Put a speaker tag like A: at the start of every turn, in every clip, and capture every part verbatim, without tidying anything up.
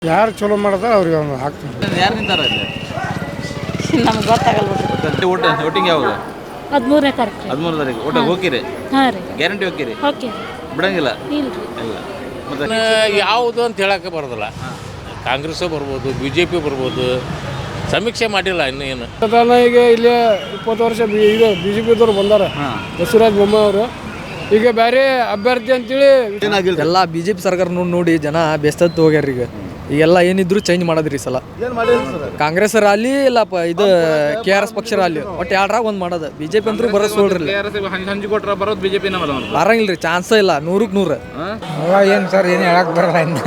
A: ಯಾರು ಚಲೋ ಮಾಡ್ತಾರೆ ಅವ್ರಿಗೆ ಒಂದು ಹಾಕ್ತಾರೆ.
B: ಯಾರು ನಿಂತಾರ ಇಲ್ಲಿ
C: ನಮ್ಗೆ ಗೊತ್ತಾಗಲ್ಲ
B: ಓಟ್ ವೋಟಿಂಗ್ ಯಾವಾಗ?
C: ಹದಿಮೂರನೇ ತಾರೀಕು
B: ಹದಿಮೂರು ತಾರೀಕು ಓಟಿಗೆ ಹೋಗಿರಿ?
C: ಹಾಂ ರೀ
B: ಗ್ಯಾರಂಟಿ ಹೋಗಿರಿ?
C: ಓಕೆ
B: ಬಿಡಂಗಿಲ್ಲ
C: ಇಲ್ಲ
B: ಇಲ್ಲ. ಮತ್ತೆ
D: ಯಾವುದು ಅಂತ ಹೇಳಕ್ಕೆ ಬರೋದಿಲ್ಲ. ಕಾಂಗ್ರೆಸ್ಸು ಬರ್ಬೋದು, ಬಿ ಜೆ ಪಿ ಬರ್ಬೋದು, ಸಮೀಕ್ಷೆ ಮಾಡಿಲ್ಲ ಇನ್ನು ಏನು.
A: ಈಗ ಇಲ್ಲಿ ಇಪ್ಪತ್ತು ವರ್ಷ ಬಿ ಇದು ಬಿ ಜೆ ಪಿದವ್ರು ಬಂದಾರ, ಬಸವರಾಜ ಬೊಮ್ಮಾಯಿ ಅವರು. ಈಗ ಬೇರೆ ಅಭ್ಯರ್ಥಿ ಅಂತೇಳಿ
E: ಎಲ್ಲ ಬಿ ಜೆ ಪಿ ಸರ್ಕಾರ ನೋಡಿ ನೋಡಿ ಜನ ಬೆಸ್ತತ್ತು ಹೋಗ್ಯಾರ. ಈಗ ಈಗೆಲ್ಲ ಏನಿದ್ರು ಚೇಂಜ್ ಮಾಡೋದ್ರಿ ಈ ಸಲ. ಕಾಂಗ್ರೆಸ್ ರಾಲಿ ಇಲ್ಲಪ್ಪ ಇದು ಕೆ ಆರ್ ಎಸ್ ಪಕ್ಷ ರಾಲಿ ಒಟ್ಟು ಎರಡ್ರಾಗ ಒಂದು ಮಾಡೋದು. ಬಿ ಜೆ ಪಿ ಅಂತೂ ಬರೋದು ಸೋಳ್ರಿ,
B: ಹಂಚಿ ಕೊಟ್ರ ಬರೋದು ಬಿಜೆಪಿ
E: ಬರಂಗಿಲ್ರಿ, ಚಾನ್ಸ ಇಲ್ಲ. ನೂರಕ್ಕೆ ನೂರು
A: ಏನು ಸರ್ ಏನು ಹೇಳಕ್ ಬರಲ್ಲ ಇನ್ನು.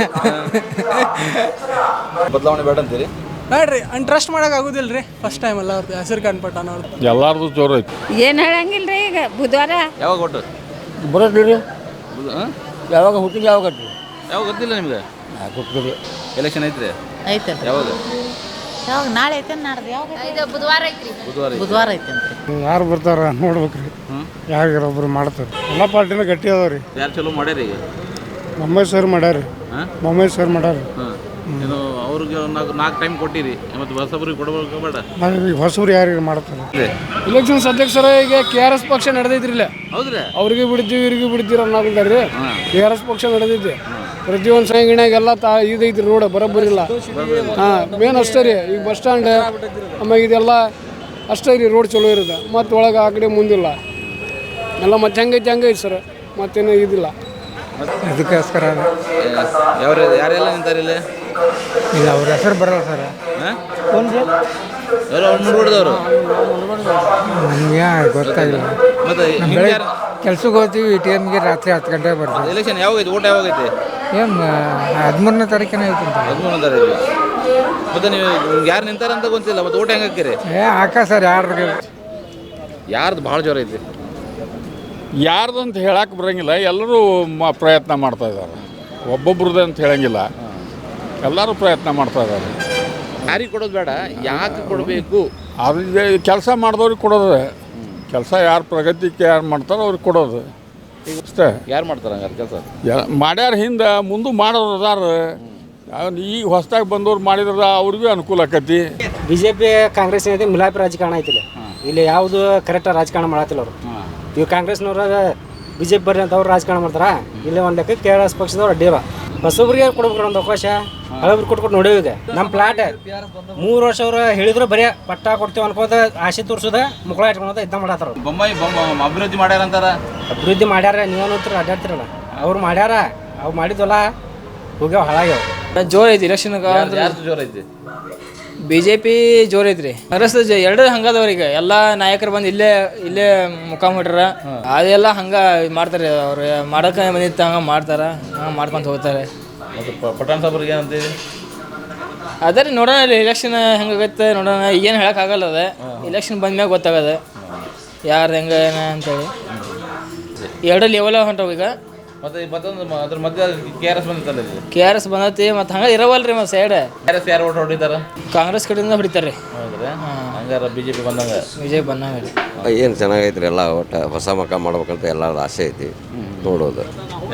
B: ಬದಲಾವಣೆ ಬೇಡ ಅಂತೀರಿ?
F: ಬೇಡ್ರಿ, ಅನ್ ಟ್ರಸ್ಟ್ ಮಾಡಕ್ ಆಗುದಿಲ್ಲ ರೀ. ಫಸ್ಟ್ ಟೈಮ್ ಅಲ್ಲ ಅವ್ರದ್ದು ಹೆಸರು ಕಂಡ್ಪಟ್ಟ ಅನ್ನೋದು
D: ಎಲ್ಲಾರ್ದು ಜೋರು ಐತಿ.
C: ಏನು ಹೇಳಂಗಿಲ್ಲ ರೀ. ಈಗ ಬುಧವಾರ
B: ಯಾವಾಗ ಒಟ್ಟು
A: ಬರೋದ್ರಿ ಯಾವಾಗ ಹುಟ್ಟಿಗೆ ಯಾವಾಗ
B: ಯಾವಾಗ ಗೊತ್ತಿಲ್ಲ ನಿಮ್ಗೆ?
A: ಗೊತ್ತಿಲ್ಲ.
B: ಎಲೆಕ್ಷನ್ ಐತ್ರಿ?
C: ಐತೆ
B: ಯಾವಾಗ?
C: ಯಾವಾಗ? ನಾಳೆ ಐತೆ ನಾಡ್ದು ಯಾವಾಗ? ಬುಧವಾರ ಐತ್ರಿ.
B: ಬುಧವಾರ
C: ಬುಧವಾರ ಐತೆ ಅಂತ.
A: ಯಾರು ಬರ್ತಾರ ನೋಡ್ಬೇಕ್ರಿ, ಯಾರು ಒಬ್ರು ಮಾಡ್ತಾರೆ. ಎಲ್ಲ ಪಾರ್ಟಿನ ಗಟ್ಟಿ ಅದಾವ್ರಿ.
B: ಯಾರು ಚಲೋ ಮಾಡ್ಯಾರ ಈಗ?
A: ಬೊಮ್ಮಾಯಿ ಸರ್ ಮಾಡ್ಯಾರ, ಬೊಮ್ಮಾಯಿ ಸರ್ ಮಾಡ್ಯಾರ.
B: ಏನು ಅವ್ರಿಗೆ ನಾಲ್ಕು ನಾಲ್ಕು ಟೈಮ್ ಕೊಟ್ಟಿರಿ, ಮತ್ತು ಹೊಸಬ್ರಿಗೆ ಕೊಡಬೇಕು ಬೇಡ?
A: ಹೊಸಬ್ರು ಯಾರಿಗೆ ಮಾಡ್ತಾರೆ?
F: ಇಲೆಕ್ಷನ್ಸ್ ಅಧ್ಯಕ್ಷರ ಈಗ ಕೆ ಆರ್ ಎಸ್ ಪಕ್ಷ ನಡೆದೈತ್ರಿ ಇಲ್ಲ.
B: ಹೌದ್ರಿ?
F: ಅವ್ರಿಗೆ ಬಿಡ್ತೀವಿ ಇವ್ರಿಗೆ ಬಿಡ್ತೀರ ಅನ್ನೋದಿದ್ದಾರೆ. ಕೆ ಆರ್ ಎಸ್ ಪಕ್ಷ ನಡೆದೈತಿ. ಪ್ರತಿಯೊಂದು ಸಂಘಟನೆಗೆಲ್ಲ ತಾ ಇದೈತ್ರಿ, ರೋಡ್ ಬರೋಬ್ಬರಿಲ್ಲ. ಹಾಂ, ಮೇನ್ ಅಷ್ಟೇ ರೀ. ಈಗ ಬಸ್ ಸ್ಟ್ಯಾಂಡ್ ಆಮೇಲೆ ಇದೆಲ್ಲ ಅಷ್ಟೇ ರೀ, ರೋಡ್ ಚಲೋ ಇರುತ್ತೆ. ಮತ್ತು ಒಳಗೆ ಆ ಕಡೆ ಮುಂದಿಲ್ಲ ಎಲ್ಲ. ಮತ್ತೆ ಹೆಂಗೈತಿ ಹಂಗೈತಿ ಸರ್, ಮತ್ತೇನು ಇದಿಲ್ಲ.
A: ಅದಕ್ಕೋಸ್ಕರ
B: ಯಾರು ಯಾರೆಲ್ಲ ನಿಂತಾರೆ ಇಲ್ಲಿ?
A: ಇಲ್ಲ, ಅವ್ರ ಹೆಸರು ಬರಲ್ಲ ಸರ್.
B: ಎಲ್ಲ ಮೂರು ಹೊಡೆದವರು
A: ನಮಗೆ ಗೊತ್ತಾಗಿಲ್ಲ.
B: ಮತ್ತೆ
A: ಕೆಲ್ಸಕ್ಕೆ ಹೋಗ್ತೀವಿ, ಎ ಟಿ ಎಮ್ಗೆ ರಾತ್ರಿ ಹತ್ತು ಗಂಟೆಗೆ ಬರ್ತೀವಿ.
B: ಎಲೆಕ್ಷನ್ ಯಾವಾಗೈತಿ? ಓಟ್ ಯಾವಾಗೈತಿ?
A: ಏನು ಹದಿಮೂರನೇ ತಾರೀಕಿನ ಐತಿ ಅಂತ.
B: ಹದಿಮೂರನೇ ತಾರೀಕು. ಮತ್ತೆ ನೀವು ಯಾರು ನಿಂತಾರಂತ ಗೊತ್ತಿಲ್ಲ, ಮತ್ತೆ ಓಟ್ ಹೆಂಗೆ ಹಾಕಿರಿ?
A: ಏ ಹಾಕ ಸರ್, ಯಾರು
B: ಯಾರ್ದು ಭಾಳ ಜೋರ ಐತಿ?
D: ಯಾರ್ದು ಅಂತ ಹೇಳಕ್ಕೆ ಬರೋಂಗಿಲ್ಲ. ಎಲ್ಲರೂ ಮ ಪ್ರಯತ್ನ ಮಾಡ್ತಾ ಇದ್ದಾರೆ. ಒಬ್ಬೊಬ್ರದ್ದು ಅಂತ ಹೇಳಂಗಿಲ್ಲ, ಎಲ್ಲರೂ ಪ್ರಯತ್ನ ಮಾಡ್ತಾ ಇದ್ದಾರೆ.
B: ಯಾರಿಗೆ ಕೊಡೋದು ಬೇಡ, ಯಾಕೆ ಕೊಡಬೇಕು?
D: ಅದು ಕೆಲಸ ಮಾಡಿದವ್ರಿಗೆ ಕೊಡೋದು. ಕೆಲಸ ಯಾರು ಪ್ರಗತಿಗೆ ಯಾರು ಮಾಡ್ತಾರೋ ಅವ್ರಿಗೆ ಕೊಡೋದು ಅಷ್ಟೇ.
B: ಯಾರು ಮಾಡ್ತಾರೆ ಹಂಗಾರೆ ಕೆಲಸ?
D: ಮಾಡ್ಯಾರ ಹಿಂದೆ, ಮುಂದೆ ಮಾಡೋರು ಅದಾರ. ಈಗ ಹೊಸದಾಗಿ ಬಂದವ್ರು ಮಾಡಿದ್ರೆ ಅವ್ರಿಗೂ ಅನುಕೂಲ ಆಕತಿ.
G: ಬಿ ಜೆ ಪಿ ಕಾಂಗ್ರೆಸ್ ಏನಿದೆ ಮಿಲಾಪಿ ರಾಜಕಾರಣ ಐತಿಲ್ಲ. ಇಲ್ಲಿ ಯಾವುದು ಕರೆಕ್ಟ್ ರಾಜಕಾರಣ ಮಾಡತ್ತಿಲ್ಲ ಅವರು. ಇವು ಕಾಂಗ್ರೆಸ್ನವ್ರ ಬಿ ಜೆ ಪಿ ಬರ್ರಿ ಅಂತ ಅವ್ರು ರಾಜಕಾರಣ ಮಾಡ್ತಾರ. ಇಲ್ಲಿ ಒಂದು ಲೆಕ್ಕ ಕೆ ಆರ್ ಎಸ್ ಪಕ್ಷದವ್ರು ಅಡ್ಡಿವ. ಹೊಸೊಬ್ರಿಗೆ ಕೊಡ್ಬೇಕು ಒಂದು ಅವಕಾಶ. ಹಳಬ್ರಿಗೆ ಕೊಟ್ಕೊಟ್ಟು ನೋಡೇವಿ. ಈಗ ನಮ್ಮ ಪ್ಲಾಟ್ ಮೂರು ವರ್ಷ ಅವ್ರು ಹೇಳಿದ್ರು ಬರೀ ಪಟ್ಟ ಕೊಡ್ತೀವಿ ಅನ್ಕೋತ ಆಸೆ ತೋರಿಸೋದ ಮುಕ್ಕಳ ಇಟ್ಕೊಳೋದ ಇದ್ದ ಮಾಡತ್ತಾರ.
B: ಬೊಮ್ಮಾಯಿ ಬೊಮ್ಮ ಅಭಿವೃದ್ಧಿ ಮಾಡ್ಯಾರ ಅಂತಾರ.
G: ಅಭಿವೃದ್ಧಿ ಮಾಡ್ಯಾರ, ನೀವೇನಂತೀರ ಅಡ್ಡಾಡ್ತಿರಲ್ಲ. ಅವ್ರು ಮಾಡ್ಯಾರ, ಅವ್ರು ಮಾಡಿದ್ವಲ್ಲ ಹೋಗ್ಯಾವ ಹಾಳಾಗ್ಯಾವ.
E: ಜೋರ್ ಐತಿ ಇಲೆಕ್ಷನ್.
B: ಯಾರ್ದು ಜೋರ ಐತಿ?
E: ಬಿ ಜೆ ಪಿ ಜೋರ್ ಐತ್ರಿ. ಕಾಂಗ್ರೆಸ್ ಎರಡು ಹಂಗದವ್ರ. ಈಗ ಎಲ್ಲ ನಾಯಕರು ಬಂದು ಇಲ್ಲೇ ಇಲ್ಲೇ ಮುಖಾಮ್ ಹೊಟ್ರ. ಅದೆಲ್ಲ ಹಂಗೆ ಮಾಡ್ತಾರೆ. ಅವ್ರು ಮಾಡೋಕೆ ಬಂದಿತ್ತು ಹಂಗೆ ಮಾಡ್ತಾರ, ಹಂಗೆ ಮಾಡ್ಕೊಂತ ಹೋಗ್ತಾರೆ.
B: ಮತ್ತು ಪಠಾಣ್ ಸಾಬ್ರಿಗೆ ಏನಂತೀವಿ?
E: ಅದೇ ರೀ, ನೋಡೋಣ ಇಲ್ಲಿ ಇಲೆಕ್ಷನ್ ಹೆಂಗಾಗತ್ತೆ ನೋಡೋಣ. ಏನು ಹೇಳೋಕ್ಕಾಗಲ್ಲ. ಅದ ಇಲೆಕ್ಷನ್ ಬಂದ್ಮ್ಯಾಗ ಗೊತ್ತಾಗದ ಯಾರು ಹೆಂಗೆ ಏನ ಅಂತೇಳಿ. ಎರಡು ಲೆವೆಲ್ ಹೊಂಟವು ಈಗ.
B: ಮತ್ತೆ ಮತ್ತೊಂದು ಅದ್ರ ಮಧ್ಯೆ ಕೆ ಆರ್ ಎಸ್ ಬಂದಿತ್ತಲ್ಲ,
E: ಕೆ ಆರ್ ಎಸ್ ಬಂದೈತಿ. ಮತ್ತು ಹಂಗೆ ಇರವಲ್ರಿ ಮತ್ತೆ ಸೈಡ್.
B: ಕೆ ಆರ್ ಎಸ್ ಯಾರು ಓಟ್ ಹೊಡಿತಾರ?
E: ಕಾಂಗ್ರೆಸ್ ಕಡೆಯಿಂದ ಹೊಡಿತಾರೆ ರೀ.
B: ಹೌದ್ರಿ? ಹಂಗಾರೆ ಬಿ ಜೆ ಪಿ ಬಂದಂಗೆ
E: ಬಿ ಜೆ ಪಿ ಬಂದಂಗೆ ರೀ.
H: ಏನು ಚೆನ್ನಾಗೈತ್ರಿ. ಎಲ್ಲ ಒಟ್ಟು ಹೊಸ ಮಕ್ಕ ಮಾಡ್ಬೇಕಂತ ಎಲ್ಲರ ಆಸೆ ಐತಿ ನೋಡೋದು.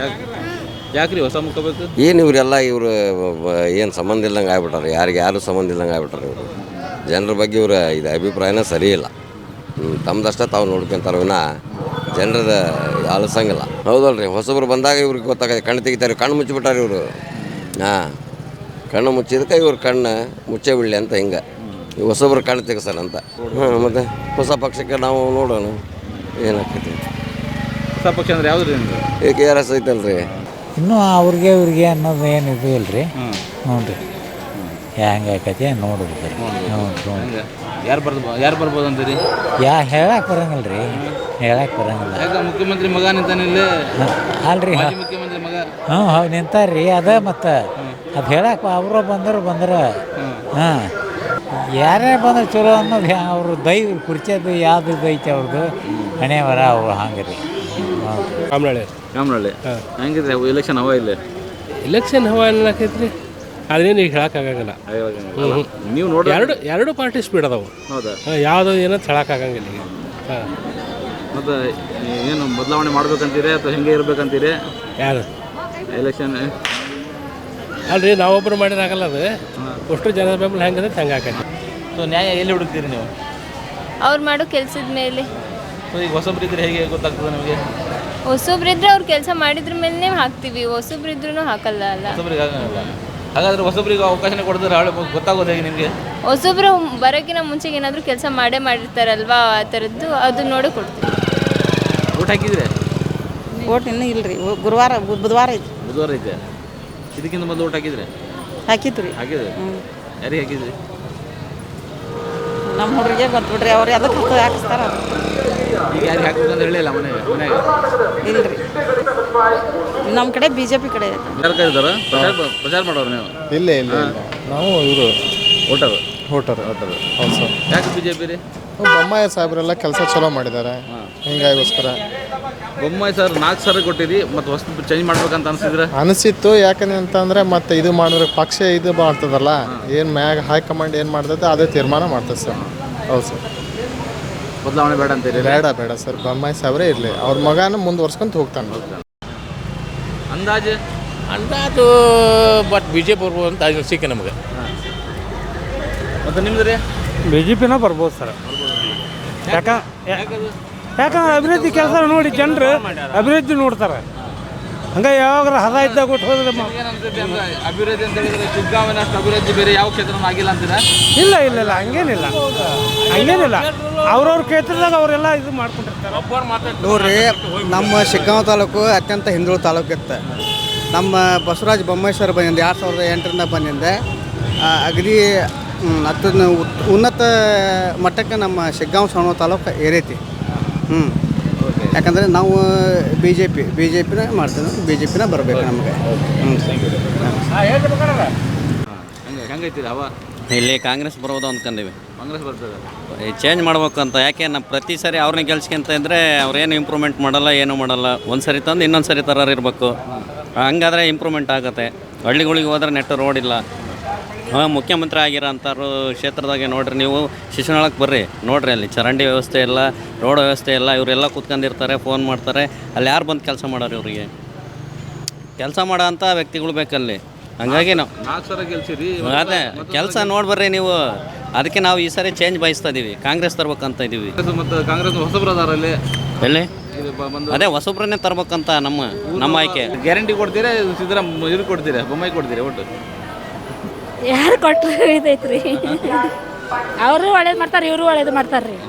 B: ಯಾಕ್ರಿ ಹೊಸ ಮುಖ ಬೇಕು?
H: ಏನು ಇವರೆಲ್ಲ ಇವರು ಏನು ಸಂಬಂಧ ಇಲ್ದಂಗೆ ಆಗ್ಬಿಟ್ಟಾರೆ. ಯಾರಿಗೆ ಯಾರು ಸಂಬಂಧ ಇಲ್ದಂಗೆ ಆಗ್ಬಿಟ್ಟಾರೆ ಇವರು. ಜನರ ಬಗ್ಗೆ ಇವ್ರ ಇದು ಅಭಿಪ್ರಾಯನ ಸರಿ ಇಲ್ಲ. ತಮ್ಮದಷ್ಟ ತಾವು ನೋಡ್ಕೊಂತಾರೆ ವಿನ ಜನರದ ಆಲಿಸಂಗಿಲ್ಲ. ಹೌದಲ್ರಿ? ಹೊಸಬ್ರು ಬಂದಾಗ ಇವ್ರಿಗೆ ಗೊತ್ತಾಗತ್ತೆ. ಕಣ್ಣು ತೆಗಿತಾರೆ, ಕಣ್ಣು ಮುಚ್ಚಿಬಿಟ್ಟಾರೆ ಇವರು. ಹಾಂ, ಕಣ್ಣು ಮುಚ್ಚಿದಕ್ಕೆ ಇವ್ರು ಕಣ್ಣು ಮುಚ್ಚೇ ಬಿಡಲಿ ಅಂತ ಹಿಂಗೆ ಈ ಹೊಸಬ್ರು ಕಣ್ಣು ತೆಗಿಸಲ್ಲ ಅಂತ. ಹಾಂ, ಮತ್ತು ಹೊಸ ಪಕ್ಷಕ್ಕೆ ನಾವು ನೋಡೋಣ ಏನಾಗ್ತೈತಿ.
B: ಹೊಸ ಪಕ್ಷ ಅಂದ್ರೆ ಯಾವ್ದು ರೀ?
H: ಈಗ ಕೆ ಆರ್ ಎಸ್ ಐತಲ್ರಿ.
I: ಇನ್ನೂ ಅವ್ರಿಗೆ ಇವ್ರಿಗೆ ಅನ್ನೋದು ಏನು ಇದು ಇಲ್ಲ ರೀ. ಹ್ಞೂ ರೀ, ಹೆಂಗೆ ಆಕೈತಿ ನೋಡ್ಬೇಕು ರೀ. ಹ್ಞೂ,
B: ಯಾರು ಬರ್ಬೋದು ಯಾರು ಬರ್ಬೋದು ಅಂತೀರಿ?
I: ಯಾ ಹೇಳಕ್ಕೆ ಬರಂಗಿಲ್ಲ ರೀ, ಹೇಳಕ್ಕೆ ಬರಂಗಿಲ್ಲ.
B: ಯಾಕೆ ಮುಖ್ಯಮಂತ್ರಿ ಮಗ ನಿಂತಾನೆ ಇಲ್ಲಿ?
I: ಅಲ್ರಿ,
B: ಮುಖ್ಯಮಂತ್ರಿ ಮಗ.
I: ಹ್ಞೂ ಹೌದು ನಿಂತಾರ್ರಿ. ಅದ ಮತ್ತು ಅದು ಹೇಳಕ್ಕೆ ಅವರು ಬಂದರು ಬಂದ್ರೆ. ಹಾಂ, ಯಾರೇ ಬಂದ್ರೆ ಚಲೋ ಅನ್ನೋದು ಅವರು ದೈ ಕುರ್ಚೋದು ಯಾವ್ದು ಐತೆ ಅವ್ರದ್ದು ಹಣೆ ವರ ಅವ್ರು ಹಂಗೆ ರೀ.
F: ಕಾಮನಹಳ್ಳಿ
B: ಕಾಮನಹಳ್ಳಿ ಹೆಂಗಿದ್ರೆ ಎಲೆಕ್ಷನ್ ಹವಾ ಇಲ್ಲಿ?
F: ಇಲೆಕ್ಷನ್ ಹವಾ ಏನಾಕೈತ್ರಿ, ಅದೇನು ಈಗ ಹೇಳೋಕ್ಕಾಗಲ್ಲ.
B: ನೀವು ನೋಡಿ
F: ಎರಡು ಎರಡು ಪಾರ್ಟಿ ಸ್ಪೀಡ್ ಅದಾವು.
B: ಹೌದಾ?
F: ಯಾವುದು ಏನೋ ಹೇಳೋಕ್ಕಾಗಂಗಿಲ್ಲ ಈಗ. ಹಾಂ,
B: ಮತ್ತು ಏನು ಬದಲಾವಣೆ ಮಾಡ್ಬೇಕಂತೀರಿ ಅಥವಾ ಹೆಂಗೆ ಇರ್ಬೇಕಂತೀರಿ?
F: ಯಾರು
B: ಎಲೆಕ್ಷನ್
J: ಅಲ್ರಿ ನಾವೊಬ್ಬರು ಮಾಡಿದ್ರೆ ಆಗಲ್ಲ ಅದು ಅಷ್ಟು ಜನ ಬೆಂಬಲ ಹೆಂಗಂದ್ರೆ ಹಂಗೆ ಆಕೈತಿ.
B: ಸೊ ನ್ಯಾಯ ಎಲ್ಲಿ ಹುಡುಕ್ತೀರಿ ನೀವು?
K: ಅವ್ರು ಮಾಡೋ ಕೆಲಸದ ಮೇಲೆ.
B: ಸೊ ಈಗ ಹೊಸಬ್ರು ಇದ್ರೆ ಹೇಗೆ ಗೊತ್ತಾಗ್ತದೆ ನಿಮಗೆ?
K: ಹೊಸೊಬ್ರಿದ್ರೆ ಅವ್ರು ಕೆಲಸ ಮಾಡಿದ್ರ ಮೇಲೆ ಹಾಕ್ತೀವಿ, ಹೊಸೊಬ್ರಿದ್ರೂ ಹಾಕಲ್ಲ ಅಲ್ಲ.
B: ಹೊಸಬ್ರಿಗೆ ಆಗಲ್ಲ. ಹಾಗಾದ್ರೆ ಹೊಸಬ್ರಿಗೆ ಅವಕಾಶನೇ ಕೊಡಿದ್ರೆ ಹಾಳೆ ಗೊತ್ತಾಗೋದು ಹೇಗೆ ನಿಮಗೆ?
K: ಹೊಸೊಬ್ರು ಬರೋಕ್ಕಿಂತ ಮುಂಚೆಗೆ ಏನಾದರೂ ಕೆಲಸ ಮಾಡೇ ಮಾಡಿರ್ತಾರಲ್ವಾ, ಆ ಥರದ್ದು ಅದು ನೋಡಿ ಕೊಡ್ತೀವಿ.
B: ಊಟ ಹಾಕಿದ್ರೆ?
C: ಓಟ್ ಇನ್ನೂ ಇಲ್ಲ ರೀ, ಗುರುವಾರ ಬುಧವಾರ ಐತಿ.
B: ಬುಧವಾರ ಐತೆ. ಇದಕ್ಕಿಂತ ಮೊದಲು ಊಟ ಹಾಕಿದ್ರೆ?
C: ಹಾಕಿತ್ತು ರೀ.
B: ಹಾಕಿದ್ರೆ ಯಾರಿಗೆ ಹಾಕಿದ್ರಿ?
C: ನಮ್ಮ ಹುಡುಗರಿಗೆ ಗೊತ್ತು ಬಿಡ್ರಿ, ಅವ್ರು ಅದಕ್ಕೆ ಹಾಕಿಸ್ತಾರ.
B: ಈಗ ಯಾರಿಗೆ ಹಾಕ್ಬೇಕಂತ ಹೇಳಿಲ್ಲ ಮನೆ ಮನೆಗೆ?
C: ಇಲ್ಲ ರೀ, ನಮ್ಮ ಕಡೆ ಬಿ ಜೆ ಪಿ ಕಡೆ
B: ಯಾರು ಕರೀತಾರ? ಪ್ರಚಾರ ಪ್ರಚಾರ ಮಾಡೋರು ನೀವು?
L: ಇಲ್ಲ ಇಲ್ಲ ನಾವು ಇವರು
B: ವೋಟರ್
L: ವೋಟರ್
B: ವೋಟರ್
L: ಹೌದು ಸರ್.
B: ಯಾಕೆ ಬಿ ಜೆ ಪಿ ರೀ?
L: ಬೊಮ್ಮಾಯಿ ಸಾಹೇಬ್ರೆಲ್ಲ ಕೆಲಸ ಚಲೋ ಮಾಡಿದ್ದಾರೆ, ಹಿಂಗಾಗೋಸ್ಕರ.
B: ಬೊಮ್ಮಾಯಿ ಸರ್ ನಾಲ್ಕು ಸಲ ಕೊಟ್ಟಿರಿ, ಮತ್ತು ಹೊಸ ಚೇಂಜ್ ಮಾಡ್ಬೇಕಂತ ಅನಿಸಿದ್ರೆ?
L: ಅನಿಸಿತ್ತು. ಯಾಕಂದ್ರೆ ಅಂತಂದರೆ ಮತ್ತೆ ಇದು ಮಾಡಿದ್ರೆ ಪಕ್ಷ ಇದು ಮಾಡ್ತದಲ್ಲ, ಏನು ಮ್ಯಾಗ ಹೈಕಮಾಂಡ್ ಏನು ಮಾಡ್ತದೆ ಅದೇ ತೀರ್ಮಾನ ಮಾಡ್ತದೆ ಸರ್. ಹೌದು ಸರ್.
B: ಬದಲಾವಣೆ ಬೇಡ ಅಂತೀರಿ?
L: ಬೇಡ ಬೇಡ ಸರ್, ಬೊಮ್ಮಾಯಿ ಸಾಹೇಬ್ರೇ ಇರಲಿ, ಅವ್ರ ಮಗನ ಮುಂದುವರ್ಸ್ಕೊಂತ ಹೋಗ್ತಾನೆ.
B: ಅಂದಾಜು
J: ಅಂದಾಜು ಬಟ್ ಬಿ ಜೆ ಪಿ ಬರ್ಬೋದು ಅಂತ ಅನಿಸಿಕೆ ನಮಗೆ.
B: ಮತ್ತು ನಿಮ್ದು ರೀ?
A: ಬಿ ಜೆ ಪಿನ ಬರ್ಬೋದು ಸರ್. ಯಾಕ ಯಾಕಂದ್ರೆ ಅಭಿವೃದ್ಧಿ ಕೆಲಸ ನೋಡಿ ಜನರು ಅಭಿವೃದ್ಧಿ ನೋಡ್ತಾರೆ. ಹಂಗೆ ಯಾವಾಗ ಹದ ಇದ್ದಾಗ ಕೊಟ್ಟು ಹೋದ್ರೆ
B: ಅಭಿವೃದ್ಧಿ ಅಂತ ಹೇಳಿದ್ರೆ ಶಿಗ್ಗಾಂವಿನ ಅಷ್ಟು ಅಭಿವೃದ್ಧಿ ಬೇರೆ ಯಾವ ಕ್ಷೇತ್ರನೂ ಆಗಿಲ್ಲ ಅಂತೀರಾ?
A: ಇಲ್ಲ ಇಲ್ಲ ಇಲ್ಲ ಹಂಗೇನಿಲ್ಲ ಹಂಗೇನಿಲ್ಲ ಅವ್ರವ್ರ ಕ್ಷೇತ್ರದಾಗ ಅವರೆಲ್ಲ ಇದು ಮಾಡ್ಕೊಂಡಿರ್ತಾರೆ.
M: ನೋಡ್ರಿ, ನಮ್ಮ ಶಿಗ್ಗಾಂವ ತಾಲೂಕು ಅತ್ಯಂತ ಹಿಂದುಳಿದ ತಾಲೂಕು ಇತ್ತು. ನಮ್ಮ ಬಸವರಾಜ ಬೊಮ್ಮಾಯಿ ಸರ್ ಬಂದಿದ್ದೆ ಎರಡು ಸಾವಿರದ ಎಂಟರಿಂದ ಬಂದಿದ್ದೆ. ಅಗದಿ ಅತ್ಯಂತ ಉನ್ನತ ಮಟ್ಟಕ್ಕೆ ನಮ್ಮ ಶಿಗ್ಗಾಂವ ಸಣ್ಣ ತಾಲೂಕು ಏರೈತಿ. ಹ್ಞೂ ಯಾಕಂದರೆ ನಾವು B J P B J ಪಿನ ಮಾಡ್ತೀವಿ, ಬಿ ಜೆ ಪಿನ ಬರಬೇಕು ನಮಗೆ. ಹ್ಞೂ
B: ಹಂಗೆ ಹೆಂಗೈತಿ ಹವಾ?
N: ಇಲ್ಲಿ ಕಾಂಗ್ರೆಸ್ ಬರೋದು ಅಂದ್ಕೊಂಡಿವಿ.
B: ಕಾಂಗ್ರೆಸ್ ಬರ್ತದೆ.
N: ಚೇಂಜ್ ಮಾಡ್ಬೇಕಂತ. ಯಾಕೆ ನಮ್ಮ ಪ್ರತಿ ಸರಿ ಅವ್ರನ್ನ ಗೆಲ್ಸ್ಕೊಂತ ಇದ್ದರೆ ಅವ್ರೇನು ಇಂಪ್ರೂವ್ಮೆಂಟ್ ಮಾಡಲ್ಲ, ಏನೂ ಮಾಡಲ್ಲ. ಒಂದು ಸರಿ ತಂದು ಇನ್ನೊಂದು ಸರಿ ಥರ ಇರಬೇಕು, ಹಂಗಾದ್ರೆ ಇಂಪ್ರೂವ್ಮೆಂಟ್ ಆಗುತ್ತೆ. ಹಳ್ಳಿಗಳಿಗೆ ಹೋದ್ರೆ ನೆಟ್ಟು ರೋಡ್ ಇಲ್ಲ. ಹಾಂ, ಮುಖ್ಯಮಂತ್ರಿ ಆಗಿರೋ ಅಂಥವ್ರು ಕ್ಷೇತ್ರದಾಗೆ ನೋಡಿರಿ ನೀವು, ಶಿಶುನಾಳಕ್ಕೆ ಬರ್ರಿ ನೋಡಿರಿ, ಅಲ್ಲಿ ಚರಂಡಿ ವ್ಯವಸ್ಥೆ ಇಲ್ಲ, ರೋಡ್ ವ್ಯವಸ್ಥೆ ಇಲ್ಲ. ಇವರೆಲ್ಲ ಕೂತ್ಕೊಂಡಿರ್ತಾರೆ, ಫೋನ್ ಮಾಡ್ತಾರೆ. ಅಲ್ಲಿ ಯಾರು ಬಂದು ಕೆಲಸ ಮಾಡೋರು? ಇವರಿಗೆ ಕೆಲಸ ಮಾಡೋ ಅಂಥ ವ್ಯಕ್ತಿಗಳು ಬೇಕಲ್ಲಿ. ಹಂಗಾಗಿ ನಾವು
B: ನಾಲ್ಕು ಸಲ ಗೆಲ್ಸಿರಿ,
N: ಅದೇ ಕೆಲಸ ನೋಡ್ಬರ್ರಿ ನೀವು. ಅದಕ್ಕೆ ನಾವು ಈ ಸರಿ ಚೇಂಜ್ ಬಯಸ್ತಾ ಇದ್ದೀವಿ, ಕಾಂಗ್ರೆಸ್ ತರ್ಬೇಕಂತ ಇದ್ದೀವಿ.
B: ಮತ್ತು ಕಾಂಗ್ರೆಸ್ ಹೊಸಬ್ರು ಅದಾರಲ್ಲಿ
N: ಎಲ್ಲಿ ಅದೇ ಹೊಸಬ್ರನ್ನೇ ತರ್ಬೇಕಂತ ನಮ್ಮ ನಮ್ಮ ಆಯ್ಕೆ.
B: ಗ್ಯಾರಂಟಿ ಕೊಡ್ತೀರಾ? ಸಿದ್ದರಾಮ ಇವ್ರಿಗೆ ಕೊಡ್ತೀರಾ? ಬೊಮ್ಮಾಯಿ ಕೊಡ್ತೀರಾ ಒಟ್ಟು?
C: ಯಾರು ಕೊಟ್ಟರು ಇದೈತ್ರಿ, ಅವರು ಒಳ್ಳೇದು ಮಾಡ್ತಾರೆ, ಇವರು ಒಳ್ಳೇದು ಮಾಡ್ತಾರೆ ರೀ.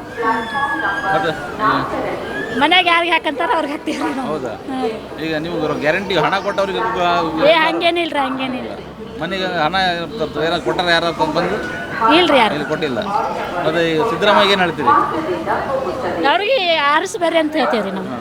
C: ಮನ್ಯಾಗ ಯಾರಿಗೆ ಹಾಕಂತಾರ ಅವ್ರಿಗೆ ಹಾಕ್ತೀವಿ.
B: ಹೌದಾ? ಈಗ ನೀವು ಗ್ಯಾರಂಟಿ ಹಣ ಕೊಟ್ಟವ್ರಿಗೆ
C: ಏ ಹಂಗೇನಿಲ್ರಿ, ಹಂಗೇನಿಲ್ರಿ.
B: ಮನೆಗೆ ಹಣ ಏನಾರು ಕೊಟ್ಟಾರ ಯಾರು ಬಂದು?
C: ಇಲ್ರಿ, ಯಾರು
B: ಇಲ್ಲಿ ಕೊಟ್ಟಿಲ್ಲ. ಮತ್ತೆ ಸಿದ್ದರಾಮಯ್ಯ ಏನು ಹೇಳ್ತೀರಿ?
C: ಅವ್ರಿಗೆ ಆರಿಸಿ ಬರ್ರಿ ಅಂತ ಹೇಳ್ತೀವಿ ರೀ ನಾವು.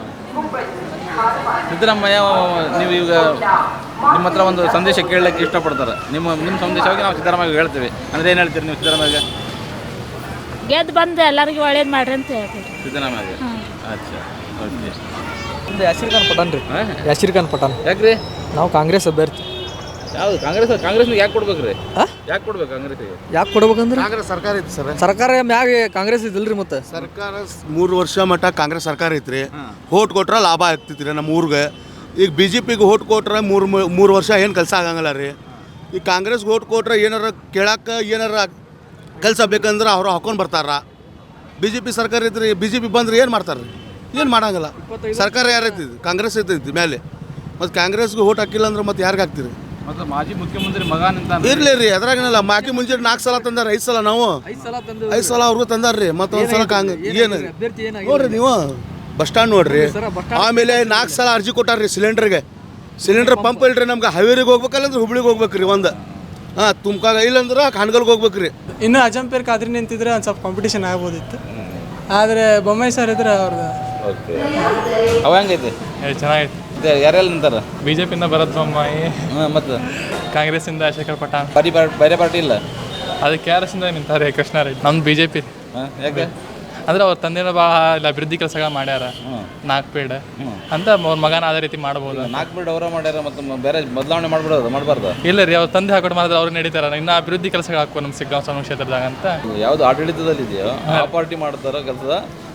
B: ಸಿದ್ದರಾಮಯ್ಯ ನೀವು ಈಗ ನಿಮ್ಮ ಹತ್ರ ಒಂದು ಸಂದೇಶ ಕೇಳಲಿಕ್ಕೆ ಇಷ್ಟಪಡ್ತಾರೆ. ನಿಮ್ಮ ನಿಮ್ಮ ಸಂದೇಶವಾಗಿ ನಾವು ಸಿದ್ದರಾಮಯ್ಯ ಹೇಳ್ತೀವಿ ಅಂದರೆ ಏನು ಹೇಳ್ತೀರಿ ನೀವು ಸಿದ್ದರಾಮಯ್ಯ?
C: ಗೆದ್ದು ಬಂದು ಎಲ್ಲರಿಗೂ ಒಳ್ಳೇದು ಮಾಡ್ರಿ ಅಂತ ಹೇಳ್ತೀವಿ
B: ಸಿದ್ದರಾಮಯ್ಯ. ಅಚ್ಚಾ, ಓಕೆ.
E: ಯಾಸಿರ್ ಖಾನ್ ಪಠಾಣ್ ರೀ. ಯಾಸಿರ್ ಖಾನ್ ಪಠಾಣ್.
B: ಯಾಕ್ರಿ?
E: ನಾವು ಕಾಂಗ್ರೆಸ್ ಅಭ್ಯರ್ಥಿ.
B: ಯಾವುದು ಕಾಂಗ್ರೆಸ್? ಕಾಂಗ್ರೆಸ್ನಿಗೆ ಯಾಕೆ ಕೊಡ್ಬೇಕು ರೀ? ಯಾಕೆ ಕೊಡ್ಬೇಕು ಕಾಂಗ್ರೆಸ್ಗೆ?
E: ಯಾಕೆ ಕೊಡ್ಬೇಕಂದ್ರೆ
L: ಕಾಂಗ್ರೆಸ್ ಸರ್ಕಾರ ಐತಿ ಸರ್.
E: ಸರ್ಕಾರ ಮ್ಯಾಗ ಕಾಂಗ್ರೆಸ್ ಇದಿಲ್ರಿ. ಮತ್ತೆ
L: ಸರ್ಕಾರ ಮೂರು ವರ್ಷ ಮಟ್ಟ ಕಾಂಗ್ರೆಸ್ ಸರ್ಕಾರ ಐತ್ರಿ. ಓಟ್ ಕೊಟ್ರೆ ಲಾಭ ಆಗ್ತೈತಿ ರೀ ನಮ್ಮ ಊರಿಗೆ. ಈಗ ಬಿ ಜೆ ಪಿಗೆ ಓಟ್ ಕೊಟ್ರೆ ಮೂರು ಮೂರು ವರ್ಷ ಏನು ಕೆಲಸ ಆಗಂಗಿಲ್ಲ ರೀ. ಈಗ ಕಾಂಗ್ರೆಸ್ಗೆ ಓಟ್ ಕೊಟ್ರೆ ಏನಾರ ಕೇಳಕ್ಕೆ ಏನಾರ ಕೆಲಸ ಬೇಕಂದ್ರೆ ಅವ್ರು ಹಾಕೊಂಡು ಬರ್ತಾರ. ಬಿ ಜೆ ಪಿ ಸರ್ಕಾರ ಐತ್ರಿ, ಬಿ ಜೆ ಪಿ ಬಂದ್ರೆ ಏನು ಮಾಡ್ತಾರೆ ರೀ? ಏನು ಮಾಡಂಗಿಲ್ಲ. ಸರ್ಕಾರ ಯಾರೈತಿ? ಕಾಂಗ್ರೆಸ್ ಐತೈತಿ ಮೇಲೆ. ಮತ್ತು ಕಾಂಗ್ರೆಸ್ಗೆ ಓಟ್ ಹಾಕಿಲ್ಲ ಅಂದ್ರೆ ಮತ್ತೆ ಯಾರಿಗೆ ಹಾಕ್ತೀರಿ?
B: ಮತ್ತು ಮಾಜಿ ಮುಖ್ಯಮಂತ್ರಿ ಮಗ ನಿಂತ
L: ಇರ್ಲಿ ರೀ, ಅದ್ರಾಗೇನಲ್ಲ. ಮಾಕಿ ಮುಂಚೆ ನಾಲ್ಕು ಸಲ ತಂದಾರ, ಐದು ಸಲ ನಾವು ಐದು ಸಲ ಅವ್ರಿಗೂ ತಂದಾರ ರೀ. ಮತ್ತೊಂದು ಸಲ ಕಾಂಗ್ರೆಸ್ ಏನು ನೋಡ್ರಿ ನೀವು ಬಸ್ ಸ್ಟ್ಯಾಂಡ್ ನೋಡ್ರಿ. ಆಮೇಲೆ ನಾಲ್ಕು ಸಲ ಅರ್ಜಿ ಕೊಟ್ಟಾರ್ರಿ ಸಿಲಿಂಡರ್ಗೆ. ಸಿಲಿಂಡರ್ ಪಂಪ್ ಇಲ್ರಿ ನಮ್ಗೆ. ಹಾವೇರಿಗೆ ಹೋಗ್ಬೇಕಲ್ಲ ಅಂದ್ರೆ ಹುಬ್ಳಿಗೆ ಹೋಗ್ಬೇಕು ರೀ. ಒಂದು ಹಾಂ ತುಮ್ಕಾಗ ಇಲ್ಲಂದ್ರೆ ಹಾನಗಲ್ಗೆ ಹೋಗ್ಬೇಕು ರೀ.
A: ಇನ್ನು ಅಜಂಪೇರ್ ಖಾದ್ರಿ ನಿಂತಿದ್ರೆ ಒಂದು ಸ್ವಲ್ಪ ಕಾಂಪಿಟೇಷನ್ ಆಗ್ಬೋದಿತ್ತು. ಆದರೆ ಬೊಮ್ಮಾಯಿ ಸರ್ ಇದ್ರೆ ಅವ್ರದ್ದು
B: ಓಕೆ. ಅವ ಹೆಂಗೈತಿ?
J: ಚೆನ್ನಾಗೈತಿ.
B: ಯಾರೆಲ್ಲ ನಿಂತಾರ?
J: ಬಿ ಜೆ ಪಿಯಿಂದ ಭರತ್ ಬೊಮ್ಮಾಯಿ,
B: ಹಾಂ, ಮತ್ತು
J: ಕಾಂಗ್ರೆಸ್ಸಿಂದ ಶೇಖರ್ ಪಠಾಣ್.
B: ಬರೀ ಬೇರೆ ಪಾರ್ಟಿ ಇಲ್ಲ?
J: ಅದು ಕೆ ಆರ್ ಎಸ್ಸಿಂದ ನಿಂತಾರೆ ಕೃಷ್ಣಾರೆಡ್ಡಿ. ನಮ್ದು ಬಿ ಜೆ ಪಿ.
B: ಹಾಂ, ಯಾಕೆ?
J: ಅಂದ್ರೆ ಅವ್ರ ತಂದೆನ ಭಾಳ ಇಲ್ಲಿ ಅಭಿವೃದ್ಧಿ ಕೆಲಸಗಳು ಮಾಡ್ಯಾರ. ನಾಲ್ಕು ಪೇಡ್ ಅಂತ ಅವ್ರ ಮಗನ ಅದೇ ರೀತಿ ಮಾಡ್ಬೋದು.
B: ನಾಲ್ಕು ಪೇಡ್ ಅವರ ಮಾಡ್ಯಾರ, ಮತ್ತು ಬೇರೆ ಬದಲಾವಣೆ ಮಾಡ್ಬಿಡೋದು ಮಾಡಬಾರ್ದು?
J: ಇಲ್ಲ ರೀ, ಅವ್ರ ತಂದೆ ಹಾಕೊಂಡು ಮಾಡಿದ್ರೆ ಅವ್ರು ನಡೀತಾರ. ಇನ್ನು ಅಭಿವೃದ್ಧಿ ಕೆಲಸಗಳು ಹಾಕೋ ನಮ್ಮ ಸಿಗ್ಗಾಂವ ಸಣ್ಣ ಕ್ಷೇತ್ರದಾಗ ಅಂತ.
B: ಯಾವುದು ಆಡಳಿತದಲ್ಲಿ ಇದೆಯೋ ಆ ಪಾರ್ಟಿ ಮಾಡ್ತಾರೋ ಕೆಲಸದ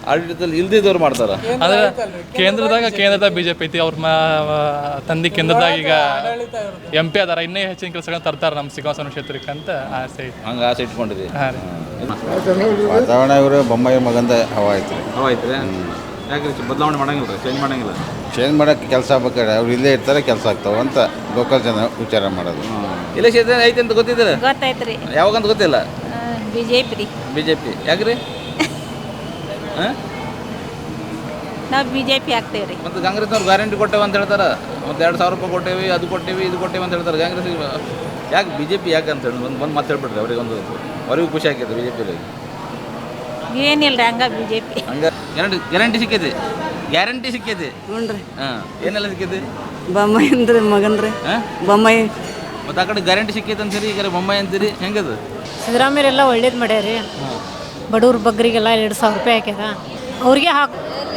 B: ಆಡಳಿತದಲ್ಲಿ ಇಲ್ದಿದ್ದವ್ರು ಮಾಡ್ತಾರೆ.
J: ಅಂದ್ರೆ ಕೇಂದ್ರದಾಗ ಕೇಂದ್ರದಾಗ ಬಿ ಜೆ ಪಿ ಐತಿ. ಅವ್ರ ತಂದೆ ಕೇಂದ್ರದಾಗ ಈಗ ಎಂ ಪಿ ಅದಾರ. ಇನ್ನೂ ಹೆಚ್ಚಿನ ಕೆಲಸಗಳನ್ನ ತರ್ತಾರೆ ನಮ್ಮ ಸಿಂಹಾಸನ ಕ್ಷೇತ್ರಕ್ಕೆ ಅಂತ ಆಸೆ ಐತಿ.
B: ಹಂಗೆ ಆಸೆ ಇಟ್ಕೊಂಡಿರಿ.
J: ಹಾಂ ರೀ.
O: ವಾತಾವರಣ ಇವರು ಬೊಮ್ಮಾಯಿ ಮಗಂದ ಹವಾ ಐತ್ರಿ.
B: ಹವಾ ಐತ್ರಿ. ಯಾಕೆ ಬದಲಾವಣೆ ಮಾಡಂಗಿಲ್ಲ, ಚೇಂಜ್ ಮಾಡಂಗಿಲ್ಲ?
O: ಚೇಂಜ್ ಮಾಡೋಕ್ಕೆ ಕೆಲಸ ಆಗ್ಬೇಕಾದ್ರೆ ಅವ್ರು ಇಲ್ಲೇ ಇರ್ತಾರೆ, ಕೆಲಸ ಆಗ್ತಾವೆ ಅಂತ ಲೋಕಲ್ ಜನ ವಿಚಾರ ಮಾಡೋದು.
B: ಇಲೆಕ್ಷನ್ ಐತಿ ಅಂತ ಗೊತ್ತಿದ್ದೀರ?
C: ಗೊತ್ತಾಯ್ತು ರೀ.
B: ಯಾವಾಗಂತ ಗೊತ್ತಿಲ್ಲ.
C: ಬಿ ಜೆ ಪಿ ರೀ.
B: ಬಿ ಜೆ ಪಿ ಯಾಕ್ರಿ? ಹಾಂ,
C: ನಾವು ಬಿ ಜೆ ಪಿ ಆಗ್ತೇವೆ ರೀ.
B: ಮತ್ತು ಕಾಂಗ್ರೆಸ್ನವ್ರು ಗ್ಯಾರಂಟಿ ಕೊಟ್ಟೇವೆ ಅಂತ ಹೇಳ್ತಾರೆ. ಮತ್ತು ಎರಡು ಸಾವಿರ ರೂಪಾಯಿ ಕೊಟ್ಟೇವಿ, ಅದು ಕೊಟ್ಟೇವಿ, ಇದು ಕೊಟ್ಟೇವಿ ಅಂತ ಹೇಳ್ತಾರೆ. ಕಾಂಗ್ರೆಸ್ ಯಾಕೆ ಬಿ ಜೆ ಪಿ ಯಾಕೆ ಅಂತ ಹೇಳಿ ಒಂದು ಒಂದು ಮಾತು ಹೇಳ್ಬಿಟ್ರಿ ಅವ್ರಿಗೆ. ಒಂದು ಅವ್ರಿಗೂ ಖುಷಿ ಆಗ್ತೈತೆ ಬಿ ಜೆ ಪಿಲಿ.
C: ಏನಿಲ್ಲ ರೀ ಹಂಗೆ ಬಿ ಜೆ ಪಿ
B: ಹಂಗೆ ಗ್ಯಾರಂಟಿ ಗ್ಯಾರಂಟಿ ಸಿಕ್ಕೈತಿ. ಗ್ಯಾರಂಟಿ ಸಿಕ್ಕೈತಿ.
P: ಹ್ಞೂ ರೀ.
B: ಹಾಂ, ಏನೆಲ್ಲ ಸಿಕ್ಕೈತಿ?
P: ಬೊಮ್ಮಾಯಿ ಅಂದ್ರೆ ಮಗನ್ ರೀ.
B: ಹಾಂ,
P: ಬೊಮ್ಮಾಯಿ.
B: ಮತ್ತು ಆ ಕಡೆ ಗ್ಯಾರಂಟಿ ಸಿಕ್ಕೈತೆ ಅಂತೀರಿ, ಈಗ ಬೊಮ್ಮಾಯಿ ಅಂತೀರಿ, ಹೆಂಗದು?
Q: ಸಿದ್ದರಾಮಯ್ಯರೆಲ್ಲ ಒಳ್ಳೇದು ಮಾಡ್ಯಾರಿ. ಬಡವ್ರ ಬಗ್ಗರಿಗೆಲ್ಲ ಎರಡು ಸಾವಿರ ರೂಪಾಯಿ ಹಾಕ್ಯಾರ. ಅವ್ರಿಗೆ ಹಾಕಿ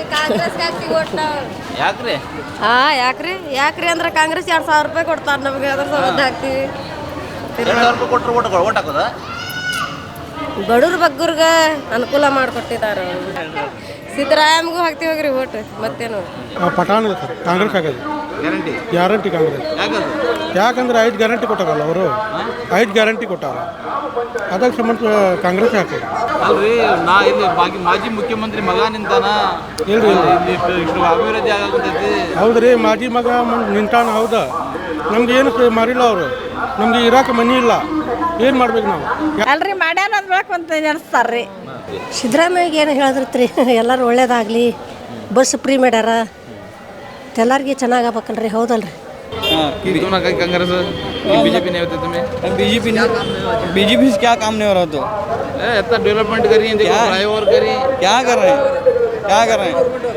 B: ಯಾಕ್ರಿ?
R: ಹಾಂ ಯಾಕ್ರಿ ಯಾಕ್ರಿ ಅಂದ್ರೆ ಕಾಂಗ್ರೆಸ್ ಎರಡು ಸಾವಿರ ರೂಪಾಯಿ ಕೊಡ್ತಾರೆ ನಮಗೆ, ಅದ್ರ ಸಂಬಂಧ ಹಾಕ್ತೀವಿ.
B: ಎರಡು ಸಾವಿರ ರೂಪಾಯಿ ಕೊಟ್ಟರು ಓಟ್ ಓಟ್ ಹಾಕೋದಾ?
R: ಬಡವ್ರ ಬಗ್ಗರ್ಗೆ ಅನುಕೂಲ ಮಾಡಿಕೊಟ್ಟಿದ್ದಾರೆ. ಸಿದ್ದರಾಮಯ್ಯಗೂ ಹಾಕ್ತೀವಿ ಹೋಗ್ರಿ ಓಟ್, ಮತ್ತೇನು?
A: ಪಠಾಣ ಕಾಂಗ್ರೆಸ್ ಆಗೋದು
B: ಗ್ಯಾರಂಟಿ.
A: ಗ್ಯಾರಂಟಿ ಕಾಂಗ್ರೆಸ್.
B: ಯಾಕದು?
A: ಯಾಕಂದ್ರೆ ಐದು ಗ್ಯಾರಂಟಿ ಕೊಟ್ಟಾರಲ್ಲ ಅವರು. ಐದು ಗ್ಯಾರಂಟಿ ಕೊಟ್ಟಾರ, ಅದಕ್ಕೆ ಸಂಬಂಧ ಕಾಂಗ್ರೆಸ್ ಹಾಕೋದು.
B: ಅಲ್ರಿ, ನಾ ಇಲ್ಲಿ ಬಾಗಿ ಮಾಜಿ ಮುಖ್ಯಮಂತ್ರಿ ಮಗ ನಿಂತಾನ,
A: ಇಲ್ರಿ
B: ಇಲ್ಲಿ ಇಷ್ಟು ಅಭಿವೃದ್ಧಿ ಆಗಾಕತ್ತೈತಿ.
A: ಹೌದ್ರಿ, ಮಾಜಿ ಮಗ ನಿಂತಾನ. ಹೌದಾ, ನಮ್ಗೆ ಏನು ಮಾಡಿಲ್ಲ ಅವರು. ನಮ್ಗೆ ಇರಾಕ ಮನಿ ಇಲ್ಲ, ಏನು ಮಾಡ್ಬೇಕು ನಾವು?
C: ಅಲ್ರಿ ಮಾಡ್ಯಾನ ಅಂದ್ಬೇಕು ಅಂತ ನೆನೆಸ್ತಾರ್ರಿ.
S: ಸಿದ್ದರಾಮಯ್ಯಗೆ ಏನು ಹೇಳಿದ್ರಿ, ಎಲ್ಲರೂ ಒಳ್ಳೇದಾಗಲಿ, ಬಸ್ ಫ್ರೀ ಮಾಡ್ಯಾರ, ಎಲ್ಲರಿಗೆ ಚೆನ್ನಾಗಾಗಬೇಕಲ್ರಿ. ಹೌದಲ್ರಿ?
B: कांग्रेस बीजेपी नहीं होते तुम्हें?
T: बीजेपी बीजेपी से क्या काम नहीं हो रहा? तो
B: इतना डेवलपमेंट करी, फ्लाईओवर करी,
T: क्या कर रहे हैं? क्या कर रहे हैं?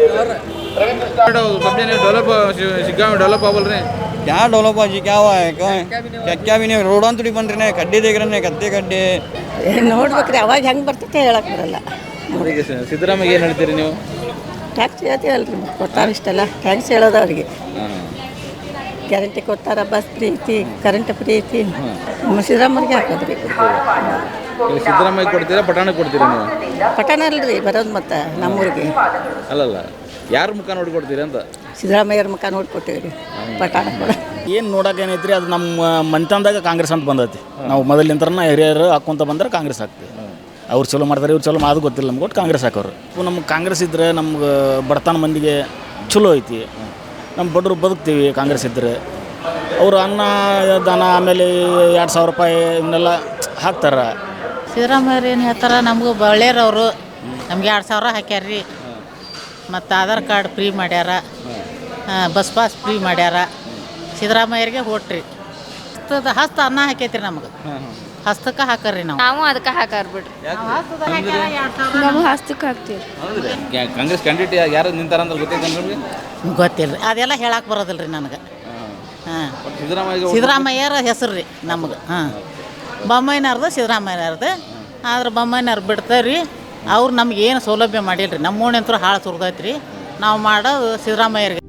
B: सब जने डेवलप शिग्गा में डेवलप बोल रहे हैं.
T: क्या डेवलप जी? क्या हुआ है? क्या क्या क्या भी नहीं. रोड ಅಂತೂ ಬನ್ ರೇ, ಕಡ್ಡಿ ದೇख रहे ಕತ್ತೆ ಕಡ್ಡಿ
S: ನೋಡ್ಬೇಕ್ರಿ, ಅವಾಗ ಹೆಂಗೆ ಬರ್ತೈತೆ ಹೇಳಕ್ ಬರಲ್ಲ.
B: ಸಿದ್ದರಾಮಯ್ಯ ಏನು ಹೇಳ್ತೀರಿ ನೀವು?
S: ಟ್ಯಾಕ್ಸ್ ಹೇಳ್ತೀವಲ್ರಿ, ಕೊಡ್ತಾರೆ ಇಷ್ಟೆಲ್ಲ ಟ್ಯಾಕ್ಸ್ ಹೇಳೋದು ಅವ್ರಿಗೆ. ಗ್ಯಾರಂಟಿ ಕೊಡ್ತಾರ, ಬಸ್ ಫ್ರೀ ಐತಿ, ಕರೆಂಟ್ ಫ್ರೀ ಐತಿ. ಸಿದ್ದರಾಮಯ್ಯಗೆ ಹಾಕೋದ್ರಿ.
B: ಸಿದ್ದರಾಮಯ್ಯ ಕೊಡ್ತೀರಾ, ಪಟಾಣ ಕೊಡ್ತೀರಾ ನೀವು?
S: ಪಟ್ಟಣ ಅಲ್ರಿ ಬರೋದು, ಮತ್ತೆ ನಮ್ಮೂರಿಗೆ
B: ಅಲ್ಲಲ್ಲ, ಯಾರ ಮುಖ ನೋಡಿ ಕೊಡ್ತೀರಿ ಅಂತ?
S: ಸಿದ್ದರಾಮಯ್ಯರ ಮುಖ ನೋಡಿ ಕೊಟ್ಟಿವ್ರಿ ಪಟ್ಟಣ ಕೂಡ.
U: ಏನು ನೋಡೋಕೆ ಏನೈತ್ರಿ, ಅದು ನಮ್ಮ ಮನೆತನದಾಗ ಕಾಂಗ್ರೆಸ್ ಅಂತ ಬಂದೈತಿ. ನಾವು ಮೊದಲಿಂತ್ರನ ಹಿರಿಯರು ಹಾಕ್ಕೊಂತ ಬಂದ್ರೆ ಕಾಂಗ್ರೆಸ್ ಹಾಕ್ತೀವಿ. ಅವ್ರು ಚಲೋ ಮಾಡ್ತಾರೆ, ಇವ್ರು ಚಲೋ ಅದು ಗೊತ್ತಿಲ್ಲ ನಮ್ಗೆ. ಒಟ್ಟು ಕಾಂಗ್ರೆಸ್ ಹಾಕೋರು. ನಮ್ಗೆ ಕಾಂಗ್ರೆಸ್ ಇದ್ದರೆ ನಮ್ಗೆ ಬಡತನ ಮಂದಿಗೆ ಚಲೋ ಐತಿ. ನಮ್ಮ ಬಡವರು ಬದುಕ್ತೀವಿ ಕಾಂಗ್ರೆಸ್ ಇದ್ದರೆ. ಅವರು ಅನ್ನ ದಾನ ಆಮೇಲೆ ಎರಡು ಸಾವಿರ ರೂಪಾಯಿ ಇವನ್ನೆಲ್ಲ ಹಾಕ್ತಾರೆ.
Q: ಸಿದ್ದರಾಮಯ್ಯರು ಏನು ಹೇಳ್ತಾರೆ, ನಮಗೂ ಒಳ್ಳೆಯರವರು. ನಮ್ಗೆ ಎರಡು ಸಾವಿರ ಹಾಕ್ಯಾರ್ರಿ, ಮತ್ತು ಆಧಾರ್ ಕಾರ್ಡ್ ಫ್ರೀ ಮಾಡ್ಯಾರ, ಬಸ್ ಪಾಸ್ ಫ್ರೀ ಮಾಡ್ಯಾರ. ಸಿದ್ದರಾಮಯ್ಯರಿಗೆ ಹೊಟ್ರಿ ಹಸ್ತದ ಹಸ್ತ ಅನ್ನ ಹಾಕೈತ್ರಿ ನಮ್ಗೆ. ಹಸ್ತಕ್ಕೆ ಹಾಕರ್ರಿ ನಾವು.
K: ನಾವು ಅದಕ್ಕೆ ಹಾಕಾರ ಬಿಡ್ರಿ. ನಾವು ಹಸ್ತಕ್ಕೆ ಹಾಕ್ತೀವಿ.
B: ಕಾಂಗ್ರೆಸ್ ಕ್ಯಾಂಡಿಡೇಟ್ ಯಾರು ನಿಂತಾರ ಅಂತ ಗೊತ್ತೈತೆ ನಿಮಗೆ?
Q: ಗೊತ್ತಿಲ್ಲ ರೀ, ಅದೆಲ್ಲ ಹೇಳಕ್ಕೆ ಬರೋದಿಲ್ಲ ರೀ ನನಗೆ. ಹಾಂ,
B: ಸಿದ್ದರಾಮಯ್ಯ
Q: ಸಿದ್ದರಾಮಯ್ಯರ ಹೆಸರು ರೀ ನಮ್ಗೆ. ಹಾಂ, ಬೊಮ್ಮಾಯಿನವ್ರದ್ದು ಸಿದ್ದರಾಮಯ್ಯನವ್ರದ್ದು. ಆದ್ರೆ ಬೊಮ್ಮಾಯಿನವ್ರು ಬಿಡ್ತಾರೆ ರೀ. ಅವ್ರು ನಮ್ಗೆ ಏನು ಸೌಲಭ್ಯ ಮಾಡಿಲ್ಲ ರೀ. ನಮ್ಮ ಓಣಿ ಅಂತೂ ಹಾಳು ಸುರಿದೈತೆ ರೀ. ನಾವು ಮಾಡೋದು ಸಿದ್ದರಾಮಯ್ಯರಿಗೆ.